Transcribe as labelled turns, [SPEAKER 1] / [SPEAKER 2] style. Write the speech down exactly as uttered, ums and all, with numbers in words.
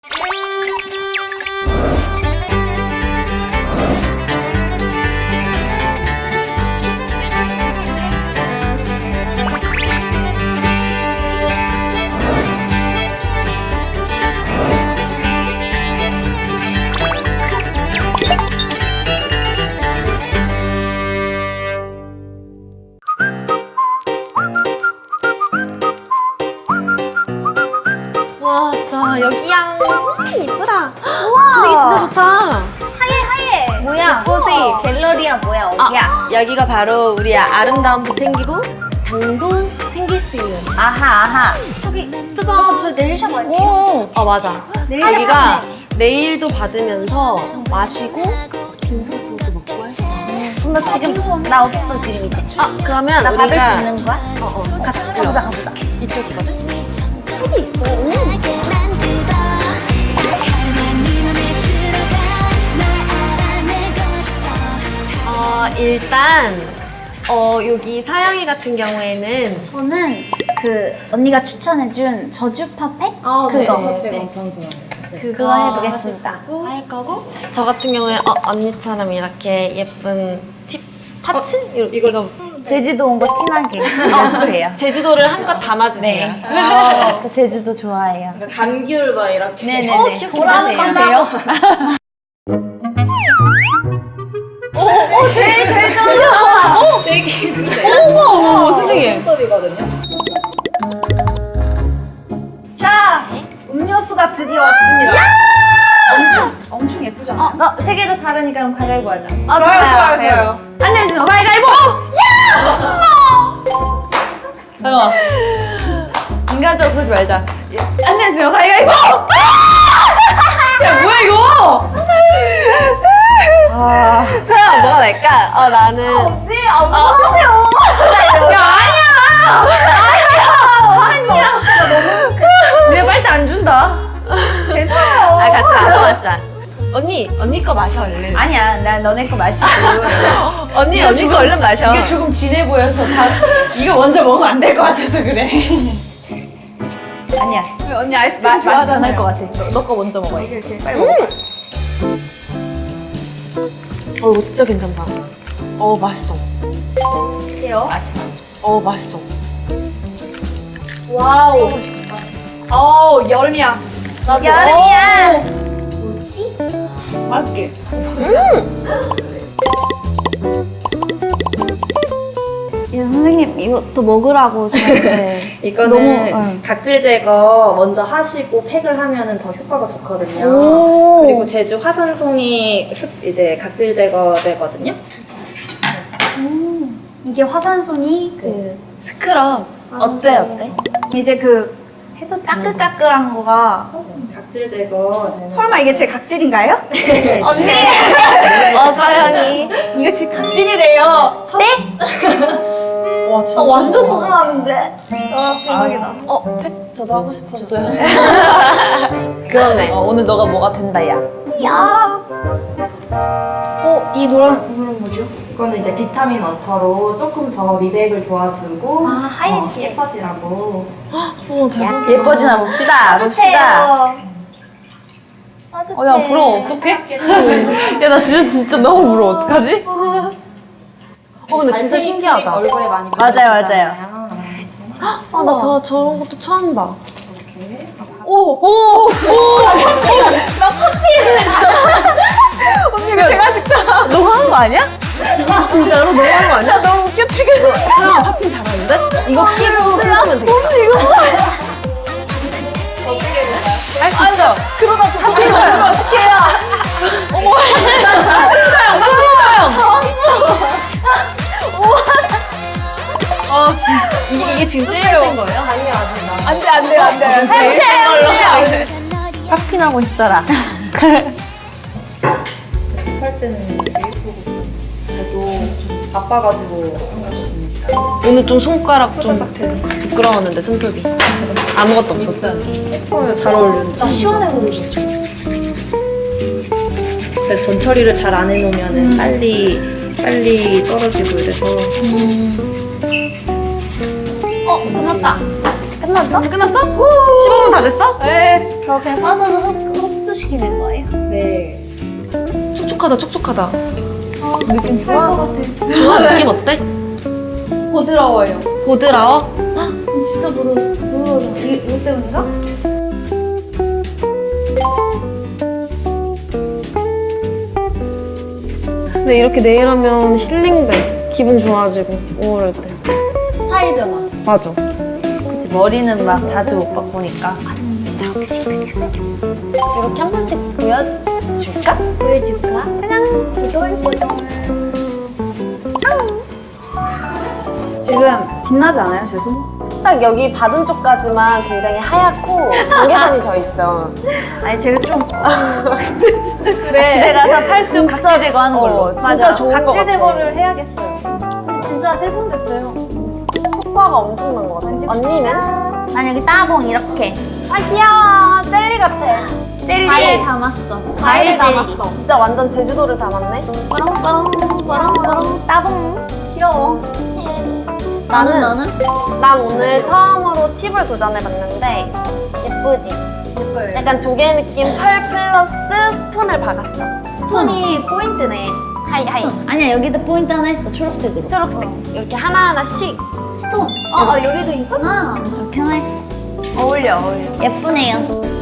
[SPEAKER 1] 와, 자 여기야. 음, 이쁘다. 우와, 분위기 진짜 좋다.
[SPEAKER 2] 하얘 하얘. 뭐야?
[SPEAKER 1] 예쁘지?
[SPEAKER 2] 갤러리야 뭐야 어디야?
[SPEAKER 1] 아, 여기가 바로 우리 아름다움도 챙기고 당도 챙길 수 있는.
[SPEAKER 2] 아하 아하. 저기 저, 저 네일샵 아니에요?
[SPEAKER 1] 오, 어 맞아.
[SPEAKER 2] 네일샵
[SPEAKER 1] 여기가
[SPEAKER 2] 하네.
[SPEAKER 1] 네일도 받으면서 마시고 빙수 같은 것도 먹고 할 수 있어.
[SPEAKER 2] 나 지금 나 없어 지금 이제.
[SPEAKER 1] 아, 그러면
[SPEAKER 2] 나
[SPEAKER 1] 우리가
[SPEAKER 2] 받을 수 있는 거야?
[SPEAKER 1] 어, 어,
[SPEAKER 2] 가자 가보자 가보자.
[SPEAKER 1] 이쪽이거든.
[SPEAKER 2] 여기 있어. 오.
[SPEAKER 1] 어, 일단 어, 여기 사영이 같은 경우에는
[SPEAKER 2] 저는 그 언니가 추천해준 저주 퍼펙
[SPEAKER 1] 아,
[SPEAKER 2] 그거
[SPEAKER 1] 네.
[SPEAKER 3] 엄청 좋아요.
[SPEAKER 2] 그거 해보겠습니다.
[SPEAKER 1] 할 거고 저 같은 경우에 어, 언니처럼 이렇게 예쁜 팁 파츠? 이거, 이거
[SPEAKER 2] 제주도 온 거 티나게 해주세요.
[SPEAKER 1] 제주도를 한껏 담아주세요.
[SPEAKER 2] 네. 아, 저 제주도 좋아해요.
[SPEAKER 3] 감귤 막 이렇게.
[SPEAKER 2] 네네네.
[SPEAKER 1] 어, 귀엽게
[SPEAKER 2] 돌아가는
[SPEAKER 1] 하세요.
[SPEAKER 2] 건데요. 오, 오, 제일 제일 좋아.
[SPEAKER 3] 되게 기쁜데.
[SPEAKER 1] 어머, 세상에.
[SPEAKER 3] 스톱이거든요.
[SPEAKER 2] 자, 음료수가 드디어 왔습니다. 엄청 엄청 예쁘잖아요.
[SPEAKER 1] 어, 어, 세 개 다 다르니까 그럼 가위바위보 하자.
[SPEAKER 2] 아,
[SPEAKER 1] 좋아요, 좋아요, 좋아요.
[SPEAKER 2] 안 내면 주는 가위바위보.
[SPEAKER 3] 잠깐만.
[SPEAKER 1] 인간적으로 그러지 말자.
[SPEAKER 2] 안 내면 주는 가위바위보.
[SPEAKER 3] 야, 뭐야, 이거?
[SPEAKER 1] 아, 그럼 뭐가 날까? 어, 나는
[SPEAKER 2] 네, 안 하세요.
[SPEAKER 3] 야, 아니야!
[SPEAKER 2] 아니야.
[SPEAKER 3] 내가 빨대 안 준다.
[SPEAKER 2] 괜찮아요.
[SPEAKER 1] 아, 같이 나눠 마시자. 언니, 언니 거 마셔 얼른.
[SPEAKER 2] 아니야, 나 너네 거 마시고.
[SPEAKER 1] 언니, 언니 거 얼른 마셔.
[SPEAKER 3] 이게 조금 진해 보여서 다 이거 먼저 먹으면 안 될 것 같아서 그래.
[SPEAKER 2] 아니야.
[SPEAKER 3] 언니 아이스크림
[SPEAKER 2] 마, 마시면
[SPEAKER 3] 좋아하잖아요.
[SPEAKER 2] 안할 것 같아. 너 거 먼저 먹어야겠어. 빨리
[SPEAKER 1] 음.
[SPEAKER 2] 먹어.
[SPEAKER 1] 어, 이거 진짜 괜찮다. 어, 맛있어.
[SPEAKER 2] 어때요?
[SPEAKER 1] 어, 맛있어.
[SPEAKER 2] 와우.
[SPEAKER 3] 어, 여름이야.
[SPEAKER 1] 나도.
[SPEAKER 2] 여름이야.
[SPEAKER 3] 맛있게.
[SPEAKER 2] 예, 선생님 이것도 먹으라고 저한테.
[SPEAKER 3] 이거는
[SPEAKER 2] 너무, 응.
[SPEAKER 3] 각질 제거 먼저 하시고 팩을 하면은 더 효과가 좋거든요.
[SPEAKER 2] 오.
[SPEAKER 3] 그리고 제주 화산송이 습- 이제 각질 제거제거든요.
[SPEAKER 2] 이게 화산송이 그
[SPEAKER 1] 스크럽. 어때, 어때?
[SPEAKER 2] 이제 그 해도 까끌까끌한 거가
[SPEAKER 3] 각질 제거.
[SPEAKER 2] 설마 이게 제 각질인가요? 언니
[SPEAKER 1] 어, 사영이.
[SPEAKER 2] 이거 제 각질이래요. 네?
[SPEAKER 1] 와, 진짜.
[SPEAKER 2] 나 완전 궁금하는데. 아 대박이다.
[SPEAKER 1] 어, 팩 저도 하고 싶어졌어요. 그러네.
[SPEAKER 3] 어, 오늘 너가 뭐가 된다, 야.
[SPEAKER 2] 이야. 어, 이 노란 노란 뭐죠?
[SPEAKER 3] 이거는 이제 비타민 워터로 조금 더 미백을 도와주고
[SPEAKER 2] 아, 하얘지게.
[SPEAKER 3] 어, 예뻐지라고.
[SPEAKER 1] 어머, 대박.
[SPEAKER 3] 예뻐지나 봅시다. 봅시다.
[SPEAKER 2] 따뜻해요.
[SPEAKER 3] 어, 야, 부러워. 어떡해? 야, 나 진짜 진짜 너무 부러워. 어떡하지?
[SPEAKER 1] 어, 근데 진짜 신기하다.
[SPEAKER 3] 얼굴에 많이
[SPEAKER 2] 맞아요,
[SPEAKER 3] 바르시잖아요.
[SPEAKER 1] 아, 나 저, 저런 것도 처음 봐.
[SPEAKER 3] 이렇게.
[SPEAKER 2] 오, 오, 오. 나 커피. 언니 이거 제가 직접.
[SPEAKER 3] 너무 하는 거 아니야?
[SPEAKER 1] 진짜로 너무 하는 거 아니야?
[SPEAKER 2] 너무 웃겨 지금.
[SPEAKER 1] 사영아, 파핑 잘하는데? 이거 끼고 춤추면 되겠다.
[SPEAKER 3] 할 수 있어.
[SPEAKER 2] 그러다 저 커피 먹으면 어떡해요? 어머.
[SPEAKER 1] 아, 진짜. 이게, 이게 지금 제일 센 거예요? 아니요, 아직 나.
[SPEAKER 2] 안돼 안돼 안돼.
[SPEAKER 1] 제일 센 걸로.
[SPEAKER 3] 파피 나고 있어라.
[SPEAKER 4] 할 때는 되게 예쁘고 저도 좀 바빠가지고 한 거거든요.
[SPEAKER 1] 오늘 좀 손가락 좀 부끄러웠는데, 손톱이. 아무것도 없었어.
[SPEAKER 4] 어, 잘 어울리는데.
[SPEAKER 2] 나 시원해 보이시죠?
[SPEAKER 4] 그래서 전 처리를 잘 안 해놓으면 빨리 빨리 떨어지고 이래서
[SPEAKER 2] 어 끝났다. 끝났어?
[SPEAKER 1] 끝났어? 십오 분 다 됐어?
[SPEAKER 4] 네.
[SPEAKER 2] 저 그냥 빠져서 섞고 촉촉시키는 거예요?
[SPEAKER 4] 네.
[SPEAKER 1] 촉촉하다 촉촉하다.
[SPEAKER 2] 느낌 좋아? 것 같아.
[SPEAKER 1] 좋아 느낌 어때?
[SPEAKER 4] 부드러워요.
[SPEAKER 1] 보드라워?
[SPEAKER 2] 진짜 부러워. 부러워. 이, 이거 때문인가?
[SPEAKER 1] 근데 이렇게 네일하면 힐링돼. 기분 좋아지고 우울할 때.
[SPEAKER 2] 스타일 변화.
[SPEAKER 1] 맞아.
[SPEAKER 3] 그치, 머리는 막 자주 못 바꾸니까.
[SPEAKER 1] 이렇게 한 번씩 보여줄까?
[SPEAKER 2] 보여줄까? 짜잔. 보들보들.
[SPEAKER 4] 지금 빛나지 않아요, 제 손?
[SPEAKER 1] 딱 여기 받은 쪽까지만 굉장히 하얗고 경계선이 져 있어.
[SPEAKER 3] 아니, 제가 좀.
[SPEAKER 4] 그래.
[SPEAKER 3] 집에 가서 팔뚝 각질 제거하는 걸로.
[SPEAKER 1] 어, 진짜 좋은 거
[SPEAKER 4] 각질
[SPEAKER 1] 같아.
[SPEAKER 4] 제거를 해야겠어요. 근데 진짜 새 손 됐어요.
[SPEAKER 1] 효과가 엄청난 것 같아. 언니는?
[SPEAKER 3] 난 여기 따봉 이렇게.
[SPEAKER 1] 아 귀여워. 젤리 같아.
[SPEAKER 3] 젤리.
[SPEAKER 2] 과일 담았어.
[SPEAKER 1] 과일
[SPEAKER 2] 젤리.
[SPEAKER 1] 담았어. 진짜 완전 제주도를 담았네.
[SPEAKER 3] 빠롱빠롱, 빠롱빠롱, 따봉. 귀여워.
[SPEAKER 2] 나는 나는?
[SPEAKER 1] 난 오늘 처음으로 팁을 도전해봤는데 예쁘지?
[SPEAKER 2] 예뻐요.
[SPEAKER 1] 약간 조개 느낌 펄 플러스 스톤을 박았어.
[SPEAKER 2] 스톤이 포인트네.
[SPEAKER 1] 하이 하이.
[SPEAKER 2] 아니야 여기도 포인트 하나 있어. 초록색으로.
[SPEAKER 1] 초록색. 이렇게 하나하나씩.
[SPEAKER 2] 스톤. 아, 아 여기도 있구나. 그렇게 하나 있어.
[SPEAKER 3] 어울려, 어울려.
[SPEAKER 2] 예쁘네요.